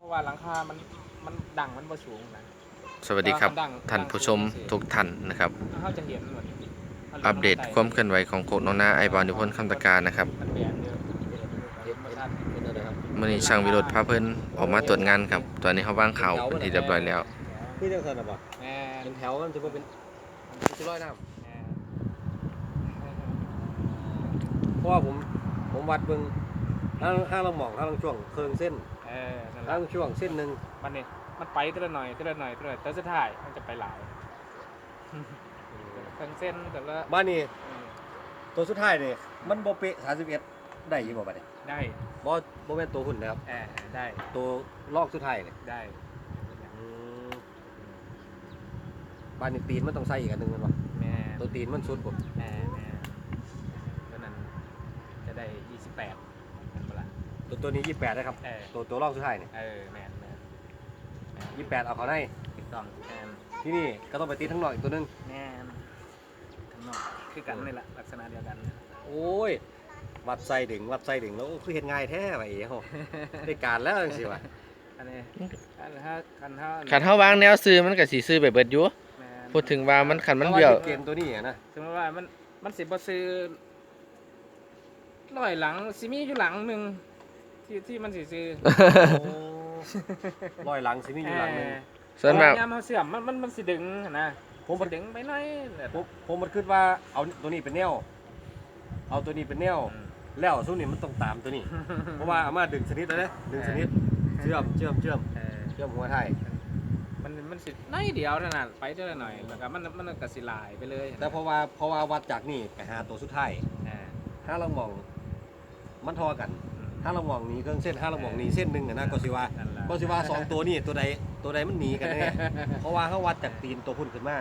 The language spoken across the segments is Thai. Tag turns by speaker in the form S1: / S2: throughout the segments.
S1: ราะว่าหลังคามันดังมันบ่สูงนะ
S2: สวัสดีครับท่านผู้ชมทุกท่านนะครับ
S1: เขาจะเห็นหมด
S2: อัปเดตความเคลื่อนไหวของโคกน้องนาไอบอลนิพนธ์คำตะการนะครับ
S1: มันแบนเยอะเห็นบ่ชัด
S2: มื่อนี้ช่างวิโรธพาเพิ่นออกมาตรวจงานครับตอนนี้เขาวางข่าวเป็นที่เรียบร้อยแล้ว
S3: นี่จังซั่นน่ะบ่
S1: แม่
S3: เป็นแถวมันสิบ่เป็นสิร้อยน้ำเพราะว่าผมวัดเบิ่งห้างละหม่องห้างละช่วงเครื่องเส้น
S1: นั่นแห
S3: ห้า
S1: ละ
S3: งช่วงเส้นนึง
S1: มันนี่มันไปทีละหน่อยทีละหน่อยทีละหน่อยแต่สุดท้ายมันจะไปหลายทั้งเส้นแต่ละ
S3: บ้านนี้ตัวสุดท้ายนี่มันบ่เป๊ะ31ได้อยู่บ่บัดนี้
S1: ได้
S3: บ่แม่นตัวหุ่นนะครับ
S1: ได้
S3: ตัวลอกสุดท้ายนี่
S1: ได้
S3: อืมบ้านนี้ตีนมันต้องใส่อีกอันหนึงแม่นบ่
S1: แม่
S3: ตัวตีนมันสุดบ่
S1: แม่ตอนนั้นจะได้28เป็นเวลา
S3: ตัวนี้28นะครับตัวลอกสุดท้ายนี่
S1: แม่
S3: 28เอาเข้าใน
S1: ถูกต้องแม่
S3: ที่นี่ก็ต้องไปตีทั้งนอกอีกตัวหนึง
S1: แม่ทั้งนอกคือกันนี่แหละลักษณะเดียวกัน
S3: โอ้ยวัดไส้ดึงแล้วโอ้คือเฮ็ดง่ายแท้ว่ะเอ๋เฮาได้การแล้วจังซี่ว่ะ
S1: อันนี้ถ้า
S2: ขันเขาวางแนวซื้อมันก็สิซื้อแบบเบิดอยู่พูดถึงว่ามันขันมันเบี้ยว
S3: เกมตัวนี้นะ
S1: สมมติว่ามันสิบ่ซื้อร้อยหลังสิมีอยู่หลังหนึ่งที่มันสิซื้อ
S3: ร้อยหลังสิมีอยู่หลังนึง
S2: ส่วนมาก
S1: ยามเขาเสื่อมมันสิดึงนะผมสิดึงไปหน่อย
S3: ผมมันคิดว่าเอาตัวนี้เป็นแนวเอาตัวนี้เป็นแนวแล้วซุนี่มันต้องตามตัวนี้ เพราะว่าเอามาดึงชนิดแล้วเด้ดึงชนิดเชื่อมหัวไทย
S1: มันสิน้อยเดียวเท่านั้นไปเท่าหน่อยแล้วก็มันก็สิลายไปเลย
S3: แต่เพราะว่าวัดจากนี่ไปหาตัวสุดท้ายถ้าเรามองมันทอกันถ้าเรามองนี้เครื่องเส้นถ้าเรามองนี้เส้นหนึงนะก็สิว่าสองตัวนี้ตัวใดมันหนีกันแน่ เพราะว่าเขาวัดจากตีนตัวพุ่นขึ้นมา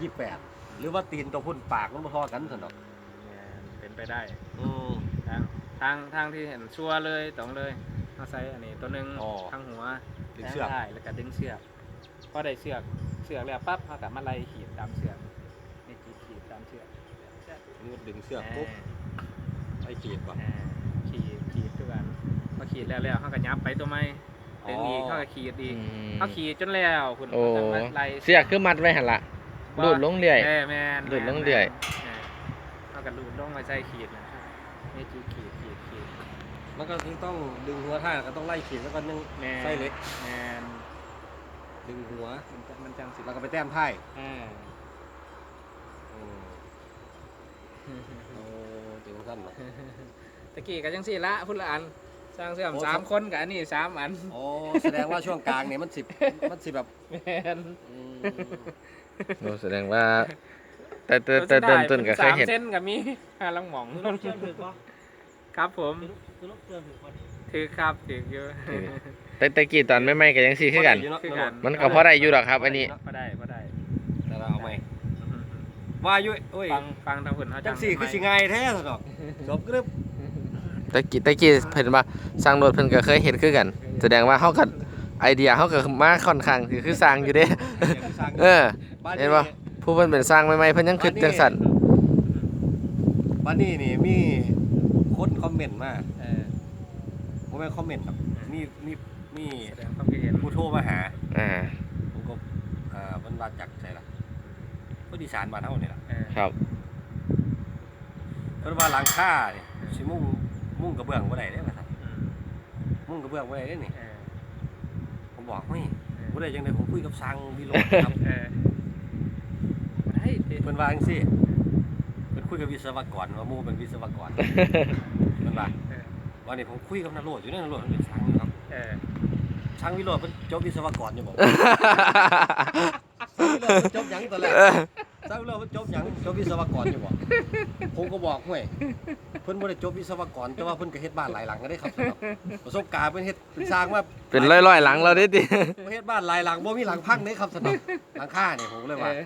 S3: 28หรือว่าตีนตัวพุ่นปากมันบ่ทอกันซั่นดอก
S1: เป็นไปได้ทางที่เห็นชัวร์เลยตรงเลยเอาใส่อันนี้ตัวนึงทางหัว
S3: ดึงเชือก
S1: ได้แล้วก็ดึงเชือกพอได้เชือกแล้วปั๊บเขาก็มาไล่ขีดตามเชือกนี่ขีดตามเชือก
S3: นี่ดึงเชือกปุ๊บไอ้ขีดก่อน
S1: ขีดทุกอันพอขีดแล้วเขาก็ยับไปตัวไม้ดึงอีกเขาก็ขีดอีกเขาขีดจนแล้วคุณ
S2: โอ้
S1: ไล่
S2: เสียคือมัดไว้หั่นล่ะลูดลงเรื่อย
S1: แม่น
S2: ลูดลงเรื่อย
S1: เขาก็ลูดลงมาใส่ขีดนะนี่ขีด
S3: มันก็ต้องดึงหัวท่าก็ต้องไล่ขีดแล้วก็นึ่งไส้เล็ก
S1: แมน
S3: ดึงหัว
S1: มันจังสิ
S3: แล้วก็ไปแต้มไพ่โอ้จริงสั้นเนาะ
S1: ตะกี้ก็จังสิละพุ่นละอันสร้างเสื่อม3 คนกับอันนี้3 อัน
S3: โอ้แสดงว่าช่วงกลางเนี่ยมันสิแบบ
S1: แมน
S2: โอ้แสดงว่าแต่เดิมต้นก็เคยเห็น
S1: 3 เส้นกับมี5ลังหม่องครับผมถือครับถืออยู่
S2: แต่กี้ตอนไม่ก็ยังสิคือกัน มันก็พอได้อยู่ดอกครับ อันนี้
S1: พอได้
S3: แต่เราเอาไหมว่าอยู่โอ้ย
S1: ฟังทางพุ่นเขา
S3: จังสี่คือสิง่ายแท้สิดอกจบกรึบ
S2: แต่กี้เพิ่นว่าสร้างรถเพิ่นก็เคยเห็นคือกัน แสดงว่าเฮาก็ไอเดียเฮาก็มาค่อนข้างคือสร้างอยู่เด้ เห็นบ่ผู้เพิ่นเป็นสร้างใหม่ๆเพิ่นยังคิดจังซั่น
S3: บ้านนี้นี่มีคนคอมเมนต์มาผมไม่คอมเมนต์ครับมี
S1: แสดงความคิดเห็น
S3: ผู้โทรมาหา
S2: อ่า
S3: ผมก็มันมาจากไหนล่ะก็ดีสานบ้านเฮานี่ล่ะ
S2: ครับ
S3: เพิ่นว่าหลังคานี่สิมุ่งกระเบื้องบ่ได้เด้ว่าซั่นมุ่งกระเบื้องบ่ได้เด้นี่ผมบอกเฮ้ยบ่ได้จังได๋ผมคุยกับช่างวิโรจน์ครับ
S1: ได้ดิ
S3: เพิ่นว่าจังซี่เพิ่นคุยกับวิศวกรว่าหมู่เป็นวิศวกร เพิ่นว่าวันนี้ผมคุยกับนโรจน์อยู่นโรจน์เป็นช่างครับช่างวิโรจน์เพิ่นจบวิศวกรอยู่บ่ช่างวิโรจน์เพิ่นจบหยังตอนแรกช่างวิโรจน์เพิ่นจบหยังจบวิศวกรอยู่บ่ผมก็บอกห้วยเพิ่นบ่ได้จบวิศวกรแต่ว่าเพิ่นก็เฮ็ดบ้านหลายหลังก็ได้ครับประสบการณ์เพิ่นเฮ็ดเป็นสร้างมา
S2: เป็นร้อยๆหลังเราได้ติ
S3: เฮ็ดบ้านหลายหลังบ่มีหลังพังเด้ครับสนองหลังคานี่ผมเลยว่า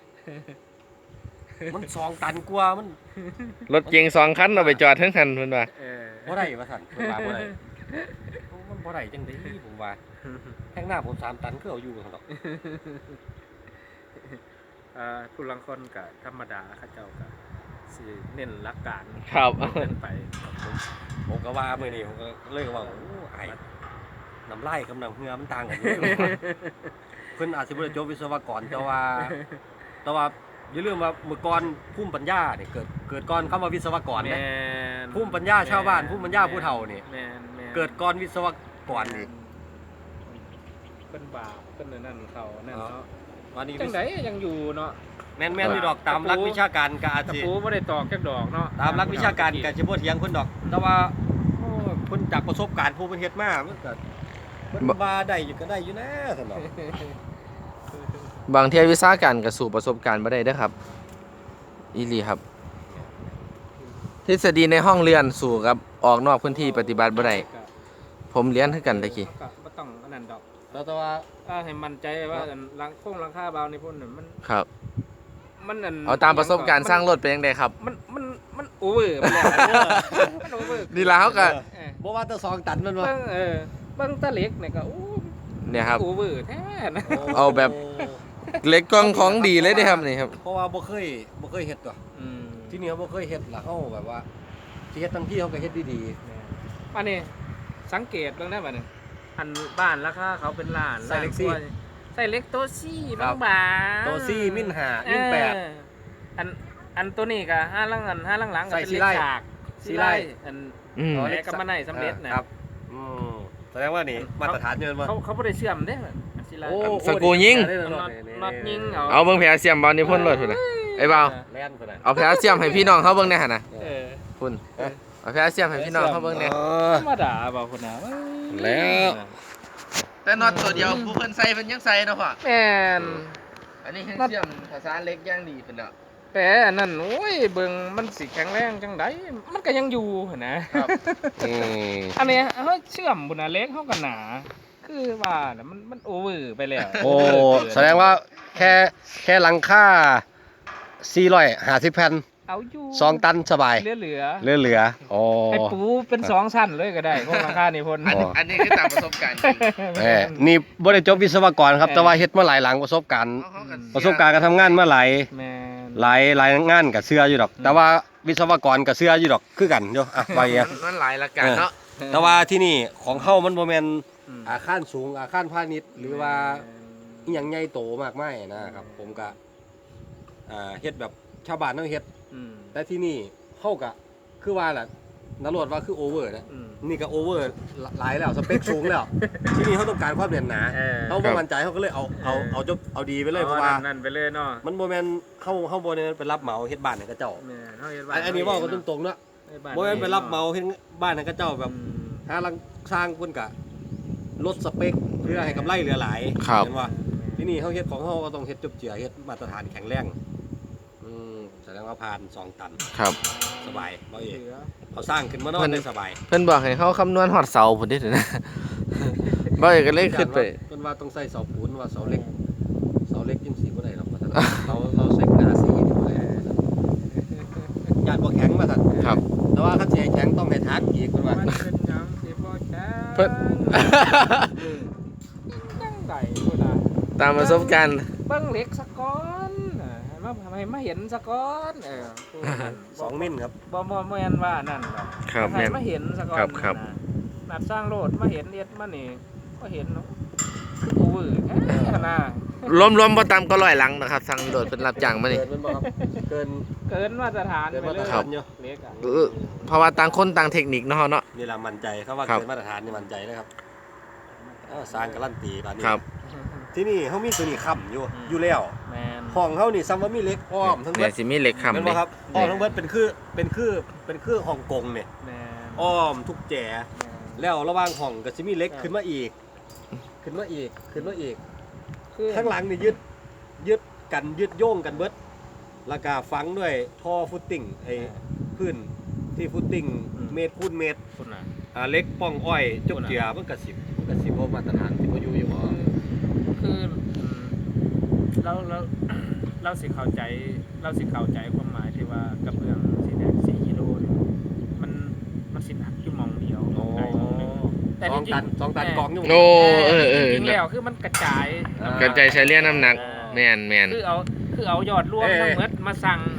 S3: มัน2 ตันกว่ามัน
S2: รถเก๋ง2 คันเอาไปจอดทั้งคันเพิ่นว่า
S3: บ่ได้ว่าซั่นเพิ่นว่าบ่ได้มันบ่ได้จังได๋ผมว่าแท่งหน้าผม3 ตันคือเอาอยู่ซั่นดอก
S1: ผู้ลังคนก็ธรรมดาเขาเจ้าก็สิเน้นหลักการ
S2: ครับ
S1: เกินไป
S3: ผมก็ว่ามื้อนี้ผมก็เลยว่าโอ้อ้ายน้ำลายกับน้ำเหงื่อมันต่างกันอยู่ เพิ่นอาจสิบ่ได้จบวิศวกรแต่ว่าอย่าลืมว่าเมื่อก่อนภูมิปัญญาเนี่ยเกิดก่อนคำว่าวิศวกร
S1: แม
S3: เนี่ย
S1: น
S3: ภูมิปัญญาชาวบ้านภูมิปัญญาผู้เฒ่านี่
S1: แมน
S3: เกิดก่อนวิศวกรอีก
S1: เป็นบาปเป็นนั่นเขานั่นเนาะ
S3: วันนี้
S1: จังไดยังอยู่เนาะ
S3: แม่นอยู่ดอกตามหลักวิชาการก็อาจ
S1: ตะ
S3: สิ
S1: ปูบ่ได้ตอกจักดอกเนาะ
S3: ตามหลักวิชาการก็สิบ่เถียงเพิ่นดอก แต่ว่าโอ้เพิ่นจากประสบการณ์ผู้เพิ่นเฮ็ดมามันก็เพิ่นว่าได้อยู่ก็ได้อยู่นะซั่นดอก
S2: บางเที่ยวิชาการกับสู่ประสบการณ์บ่ได้เด้อครับอีหลีครับทฤษฎีในห้องเรียนสู่กับออกนอกพื้นที่ปฏิบัติบ่ได้ผมเรียนคือกันตะกี้
S1: ก็บ่ต้องอันนั้นดอก
S3: แล้วแต่ว่า
S1: ถ้าให้มั่นใจว่าอันหลังคาเบาในพุ่นน่ะมัน
S2: ครับ
S1: มันอัน
S2: เอาตามประสบการณ์สร้างรถเป็นจังไดครับ
S1: มันโอเวอร์ไปแล้วมันโอเวอร์
S2: นี่ล่ะเฮาก็
S3: บ่ว่าแต่2ตันมันบ่
S1: เบิ่งตะเล็กเนี่ยก็โอ้
S2: เนี่ยครับ
S1: โอเวอร์แท้นะ
S2: เอาแบบ เหล็กกองของดีเลยเด้อครับนี่ครับ
S3: เพราะว่าบ่เคยเฮ็ดตัว
S1: อืม
S3: ที่นี่เขาบ่เคยเฮ็ดล่ะเฮาแบบว่าสิเฮ็ดทั้งที่เขาก็เฮ็ดดี
S1: อันนี้สังเกตเบิ่งได้บ่เนี่ยอันบ้านราคาเขาเป็นล้าน
S3: ใส่เล็กซี่
S1: ล้านว่าใส่เล็กโตซี่
S3: ครับ
S1: บางๆ
S3: ๆตัวซี่มิน5มิน
S1: อันตัวนี้ก็ห้าหลังก็
S3: ใส่
S1: เป็น
S3: ซี
S1: เล็
S3: ไล่
S1: กฉาก
S3: ซีไล่
S1: อัน
S2: อืม
S1: แลกกับมันได้สำเร็จนะครับ
S3: อืมแสดงว่านี่มาตรฐานเงินบ่
S1: เขาบ่ได้เชื่อมเด้ซีไล่
S2: สกรูยิง
S1: น็อตยิง
S2: เอาเบิ่งแผลเสียมบอลนี่พ่นรถพุ่นน่ะไอ้บ่าว
S3: แล่นพุ่นน่ะ
S2: เอาแผลเสียมให้พี่น้องเฮาเบิ่งแหน่หั่นน่ะ
S1: เออ
S2: พุ่นเอาแผลเสียมให้พี่น้องเฮาเบิ่งแหน่
S1: ธรรมดาบ่พุ่นน่ะ
S3: แล้ว
S2: แต่น็อตตัวเดียวผู้เพิ่นใส่เพิ่นยังใส่เนาะพ่อ
S1: แม่น
S2: อันนี้เสียมภาษาเล็กอย่างดีเพิ่นเนาะ
S1: แต่อันนั้นโอ้ยเบิ่งมันสิแข็งแรงจังไดมันก็ยังอยู่หั่นนะครับ อันเนี้ยเฮาเชื่อมพุ่นน่ะเล็กเฮาก็หนา คือว่าน่ะมันโอเวอร์ไปแล้ว
S3: โอ้แสดงว่าแค่หลังคา450แผ่น
S1: เอาอยู่
S3: 2 ตันสบาย
S1: เหลือ
S3: เหลือๆโอ้
S1: ให้ปูเป็น2ชั้นเลยก็ได้พวกราคานี่พุ่น
S2: อันนี้คือตามประสบการณ์
S3: แหมนี่บ่ได้จบวิศวกรครับแต่ว่าเฮ็ดมาหลายหลังประสบการณ์การทำงานมาหลาย
S1: แม่น
S3: หลายงานกับเสื้ออยู่ดอก แต่ว่าวิศวกรกับเสื้ออยู่ดอกคือกันอยู่อ่ะว่าอย่างเงี้ย
S2: มันหลายละกันเนาะ
S3: แต่ว่าที่นี่ของเฮามันบ่แม่น
S1: อืม
S3: อาคารสูงอาคารพาณิชย์หรือว่าอีหยังใหญ่โตมากมายนะครับ ผมก็เฮ็ดแบบชาวบ้านเฮาเฮ็ด
S1: อืม
S3: แต่ที่นี่เฮาก็คือว่าล่ะนรวดว่าคือโอเวอร์นะ
S1: อืม
S3: นี่ก็โอเวอร์หลายแล้วสเปคสูงแล้ว ที่นี่เฮาต้องการความแน่นหนา
S1: เออ
S3: เฮาบ่มั่นใจเฮาก็เลยเอาดีไปเลยเพราะว่า
S1: นั่นไปเลยเนาะ
S3: มันบ่แม่นเฮาบ่ได้ไปรับเหมาเฮ็ดบ้านให้กับเจ้า
S1: แม่นเฮาเฮ็ด
S3: อันนี้เว่ากันตรงๆเนาะบ่แม่นไปรับเหมาเฮ็ดบ้านให้กับเจ้าแบบ
S1: อืม
S3: หาลังสร้างเพิ่นก็ลดสเปคเพื่อให้กำไรเหลือหลาย
S2: ครับ
S3: เห็นว่าที่นี่เฮาเฮ็ดของเฮาก็ต้องเฮ็ดจบเจือเฮ็ดมาตรฐานแข็งแรงแสดงว่าผ่าน2 ตัน
S2: ครับ
S3: สบายบ่เอ
S1: เหลือ
S3: เขาสร้างขึ้นมานอนได้สบาย
S2: เพิ่นบอกให้เฮาคำนวณฮอดเสาพุ่นเด้อนะ บ่อยก็เลยขึ้นไป
S3: เพิ่นว่าต้องใส่เสาปูนว่าเสาเหล็กจังซี่บ่ได้หรอกว่าซั่นเราใส่หน้าสีนี่บ่ได้ญาติบ่แข็งมาซั่น
S2: ครับ
S3: แต่ว่าคันสิให้แข็งต้องให้ทักอีกเพิ่นว่า
S1: มันเป็นหยังสิบ่แข็ง
S2: เพิ่น
S1: จังไดพุ่นน่ะ
S2: ตามประสบการณ์
S1: เบิ่งเหล็กซะก่อนให้มาเห็นซะก่อนพูดกัน
S3: 2 มิลครับ
S1: บ่แม่นว่านั่นดอก
S2: ครับ
S1: ให้
S2: แม่น
S1: มาเห็นซะก่อน
S2: ครับ
S1: นะนัดสร้างโลดมาเห็นเอ็ดมานี่ก็เห็นเนาะคือโอเวอร์แท้นะ
S2: รวมๆบ่ต่ำก็100หลังนะครับสั่งโดดเป็นรับจ้างมานี่
S3: เกินมันบ่ครับเกิน
S1: เกินมาตรฐาน
S3: เกิน
S1: ไป
S3: มา
S1: เล
S3: ตร
S1: ย
S3: ฐานอยู่
S1: เล็กอ่ะ
S2: เพราะว่าต่างคนต่างเทคนิคเนาะเนาะ
S3: นี่ล่ะมั่นใจเขาว่า
S2: ครับ
S3: เกินมาตรฐานนี่มั่นใจเลยครับสร้างการันตีบาดนี้
S2: ครับ
S3: ที่นี่เขามีตัวนี้ค้ำอยู่แล้ว
S1: แมน
S3: ห้องเขานี่ซ้ำว่ามีเหล็กอ้อมทั้งหม
S2: เนี่ย
S3: ด
S2: สิมีเหล็ก
S3: เห็น
S2: ค้ำ
S3: บ่
S2: เด้
S3: ครับอ้อมทั้งหมดเป็นคือฮ่องกงเนี่ย
S1: แมน
S3: อ้อมทุกแจแล้วระหว่างห้องก็สิมีเหล็กขึ้นมาอีก ขึ้นมาอีก
S1: คือ
S3: ข้างหลังนี่ยึดโยงกันเบิดแล้วก็ฝังด้วยท่อฟุตติ้งไอ้พื้นที่ฟุตติ้งเมตรคูณเมตร
S1: คุณน่ะ
S3: เหล็กป้องอ้อยจกเจือมันก็สิบ่มาตรฐานสิบ่อยู่บ่
S1: คือเราสิเข้าใจความหมายที่ว่ากระเบื้องสีแดง4กิโลเนี่ยมันสิหนักอยู่หมองเดียวหม้องใดหม้องหนึ่งแต่จริงๆ
S3: สองตันกองอยู่
S2: โอ้เออ
S1: จริงๆแล้วคือมันกระจาย
S2: กระจายเฉลี่ยน้ำหนักแม่น
S1: คือเอายอดรวมทั้งหมดมาสั่งน่ะนะ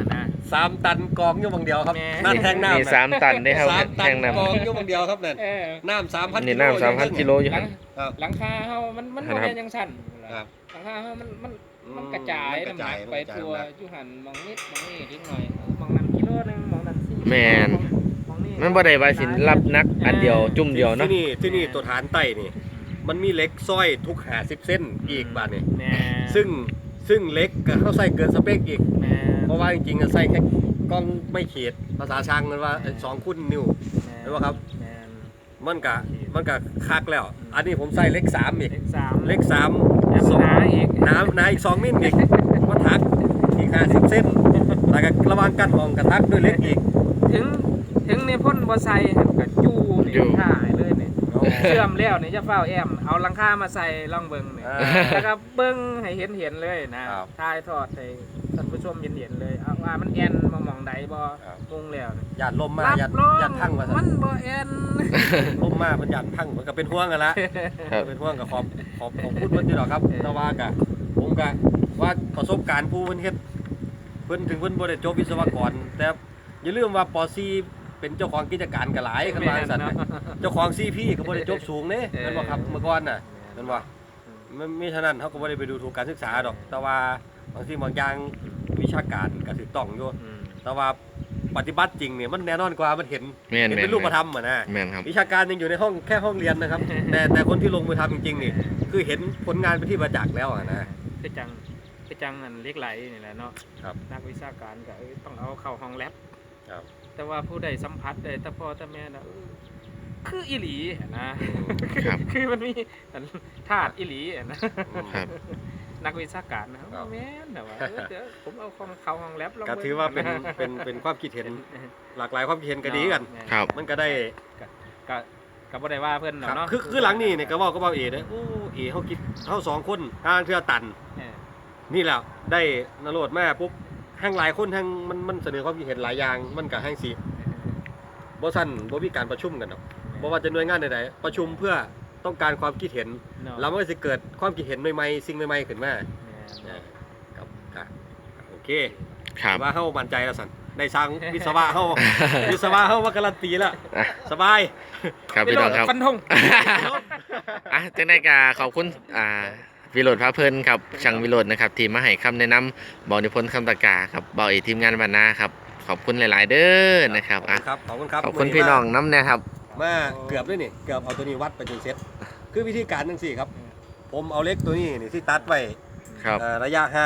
S3: 3 ตันกองอยู่บางเดียวครับ
S1: แม่
S3: นั่นแทงน้ำ
S2: นี่3 ตันได้ครับ
S3: 3 ตั
S2: แท
S3: น
S2: งน้ำ
S3: กองอยู่บางเดียวครับนั่น น้ำ3,000
S2: นี่น้ำ3,000 กิโลอยู่
S1: หลั
S2: หั่
S1: ง
S2: น
S3: ครับ
S1: หลังคาเฮามัน
S2: ครับ
S1: บ่แม่นจังซั่น
S3: ครับ
S1: หลังคาเฮามันกระจาย
S3: มันกระ
S1: น้ำห
S3: จา
S1: นั
S3: ย
S1: กไป
S3: มันกระจาย
S1: ทั่ว
S3: น้ำหนัก
S1: อยู่หั่นมองนิดมองนี่นิดหน่อยมองนั้นกิโลนึงมองนั้น4
S2: แม่น
S1: มองนี่
S2: มันบ่ได้ว่าสิรับนักอันเดียวจุ่มเดียวเนาะ
S3: ที่นี่ตัวฐานไต้นี่ มันมีเหล็กสร้อยทุก50 เส้นอีกบาดนี่
S1: แม่
S3: ซึ่งเหล็กก็เขาใส่เกินสเปคอีก
S1: แม่
S3: เพราะว่าจริงๆอะใส่แค่กล้องไม่เขตภาษาช่างมันว่า2 คูณนิ้ว เห็นบ่ครับ
S1: แม่น
S3: มันก็คักแล้ว อันนี้ผมใส่เหล็ก3อีก
S1: เลข3
S3: เหล็ก3
S1: หนาอีก
S3: หนาอีก2 มิลอีกมาทักอีก50 เส้นแล้วก็ระหวังกันห้องกระทักด้วยเหล็กอีก
S1: ถึงในพ่นบ่ใส่ก็จูนี่
S2: อยู่
S1: ถ่ายเลยนี่เชื่อมแล้วนี่จะเฝ้าแอมเอาหลังคามาใส่ลองเบิ่งนี่ แล้วก็เบิ้งให้เห็นเลยนะครับ ถ่ายทอดให้ท่านผู้ชมเห็นเลยเอาว่ามันแอนมองใดบ่
S3: ครับ
S1: งงแล้วนี่
S3: หยาดลมมา
S1: รับ
S3: หยาด
S1: รอง
S3: หยาดพังมาซะ
S1: มันบ่แอน
S3: ลมมามันหยาดพังมันก็เป็นห่วงกันละ
S2: ครับ
S3: เป็นห่วงกับขอบพูดเพิ่นอยู่หรอกครับแต่ว่ากะผมกะว่าประสบการณ์ผู้เพิ่นเฮ็ดเพิ่นถึงเพิ่นบ่ได้จบวิศวกร แต่อย่าลืมว่าป .4 เป็นเจ้าของกิจการก็หลายคันว่าจังซั่นน่ะเจ้าของ CP ก็บ่ได้จบสูงเด้แม่นบ่ครับเมื่อก่อนน่ะแม่นบ่มันมีฉะนั้นเฮาก็บ่ได้ไปดูถูกการศึกษาดอก แต่ว่าบางสิ่งบางอย่างวิชาการก็ถูกต้องอยู่ แต่ว่าปฏิบัติจริงเนี่ยมันแน่นอนกว่ามันเห็น
S2: แม่น
S3: เป็นรูปธรรมอ่ะนะ
S2: แม่นครับ
S3: วิชาการยังอยู่ในห้องแค่ห้องเรียนนะครับ แต่คนที่ลงมือทำจริงๆนี่คือเห็นผลงานเป็นที่ประจักษ์แล้วอ่ะนะ
S1: คือจังอันเล็กไหลนี่แหละเนาะ
S3: ครับ
S1: นักวิชาการก็ต้องเอาเข้าห้องแลบ
S3: ครับ
S1: แต่ว่าผู้ใดสัมผัสได้แต่พ่อแต่แม่น่ะคืออีหลีนะครับ คือมันมีธาตุอีหลีนะครับ นักวิชาการนะครับ
S3: ครับ
S1: แม่นแต่ว่าเดี๋ยวผมเอาของเข้าห้องแลบลอง
S3: ก็
S1: บิ่ง
S3: ถือว่าเป็นความคิดเห็นหลากหลายความคิดเห็นก็ดีกัน
S2: ครับ
S3: มันก็ได้
S1: ก็บ่ได้ว่าเพิ่น
S3: ครับ
S1: เนาะ
S3: คือหลังนี่เนี่ยก็เว้าเอเด้อโอ้เอเฮาคิดเฮา2 คนทางเทื่อตัน
S1: เออ
S3: นี่แหละได้นโรดมาปุ๊บทั้งหลายคนทั้งมันเสนอความคิดเห็นหลายอย่างมันก็แห่งสิบ่ซั่นบ่มีการประชุมกันดอกบ่ว่าจะหน่วยงานใดๆประชุมเพื่อต้องการความคิดเห็น
S1: เนาะ
S3: แล้วมันก็สิเกิดความคิดเห็นใหม่ๆสิ่งใหม่ๆขึ้นมา
S1: แม่น
S3: ครับโอเค
S2: ครับ
S3: ว่าเฮามั่นใจแล้วสั่นได้สร้างวิศวะเฮา วิศวะเฮาว่าการันตีแล้ว
S2: อ่ะ
S3: สบาย
S2: ครับพี่น้องครับ
S1: ฟันธง
S2: อ่ะจังได้กาขอบคุณวิโรจน์พระเพลินครับช่างวิโรจน์นะครับที่มาให้คำแนะนำบอกนิพนธ์คำตะกาครับบอกอีกทีมงานบรรณาครับขอบคุณหลาย ๆ เด้อนะครับอ่ะ
S3: ครับขอบคุณครับ
S2: ขอบคุณพี่น้องน้ำนะครับ
S3: มาเกือบด้วยนี่เกือบเอาตัวนี้วัดไปจนเสร็จคือวิธีการจังซี่ครับ ผมเอาเหล็กตัวนี้นี่ที่ตัดไว้
S2: ครับ
S3: ระยะห่าง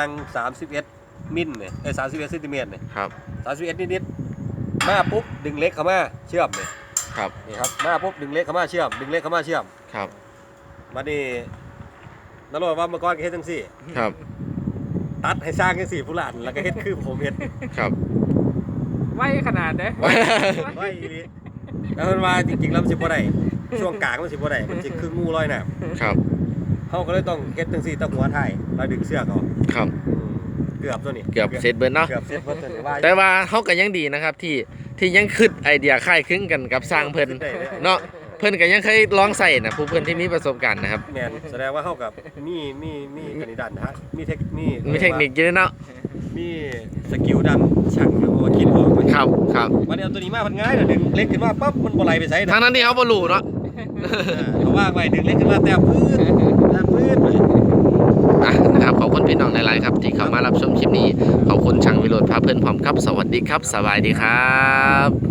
S3: 31 มิลเนี่ย31 เซนติเมตรเนี่ย
S2: ครับ
S3: 31 นิดๆมาปุ๊บดึงเหล็กเข้ามาเชื่อมเนี่ย
S2: ครับ
S3: นี่ครับมาปุ๊บดึงเหล็กเข้ามาเชื่อมดึงเหล็กเข้ามาเชื่อม
S2: ครับ
S3: มานี่นรกว่าเมื่อก่อนก็เฮ็ดจังซี่
S2: ครับ
S3: ตัดให้สร้างจังซี่ผู้หลานแล้วก็เฮ็ดคือผมเฮ็ด
S2: ครับ
S1: ไว้ขนาดเด้อ
S3: ไว้อีหลีแล้วมันว่าจริงๆแล้วมันสิบ่ได้ช่วงกลางมันสิบ่ได้มันสิคืองูลอยน้ำ
S2: ครับ
S3: เฮาก็เลยต้องเฮ็ดจังซี่ตะหัวท้ายแล้วดึงเสือกเอา
S2: ครับ
S3: เกือบตัวนี้
S2: เกือบเสร็จเบิร์เนาะ
S3: เกือบเสร็จเบิดตัวนี้ว่า
S2: แต่ว่าเขาก็ยังดีนะครับที่ยังคิดไอเดียคล้ายคลึงกันกับสร้างเพิ่นเนาะเพิ่นก็ยังเคยลองใส่นะผู้เพิ่นที่มีประสบการณ์นะครับ
S3: แม่นแสดงว่าเฮากับมีกนิดันนะฮะมีเทคนิค
S2: มีเทคนิคเยอะเนาะ
S3: มีสกิลดันช่างอยู่ว่าคิดออกไหม
S2: ครับครับ
S3: วันนี้เอาตัวนี้มามันง่ายเด้อดึงเล็กขึ้นมาปั๊บมันบ่ไหลไปไส
S2: ทั้งนั้นที่เขาบ่รู้เนาะ
S3: เอาว่างไว้ดึงเล็กขึ้นมาแต่พื้นไป
S2: อ่ะนะครับขอบคุณพี่น้องหลายๆครับที่เข้ามารับชมคลิปนี้ขอบคุณช่างวิโรจน์พาเพื่อนพร้อมครับสวัสดีครับสบายดีครับ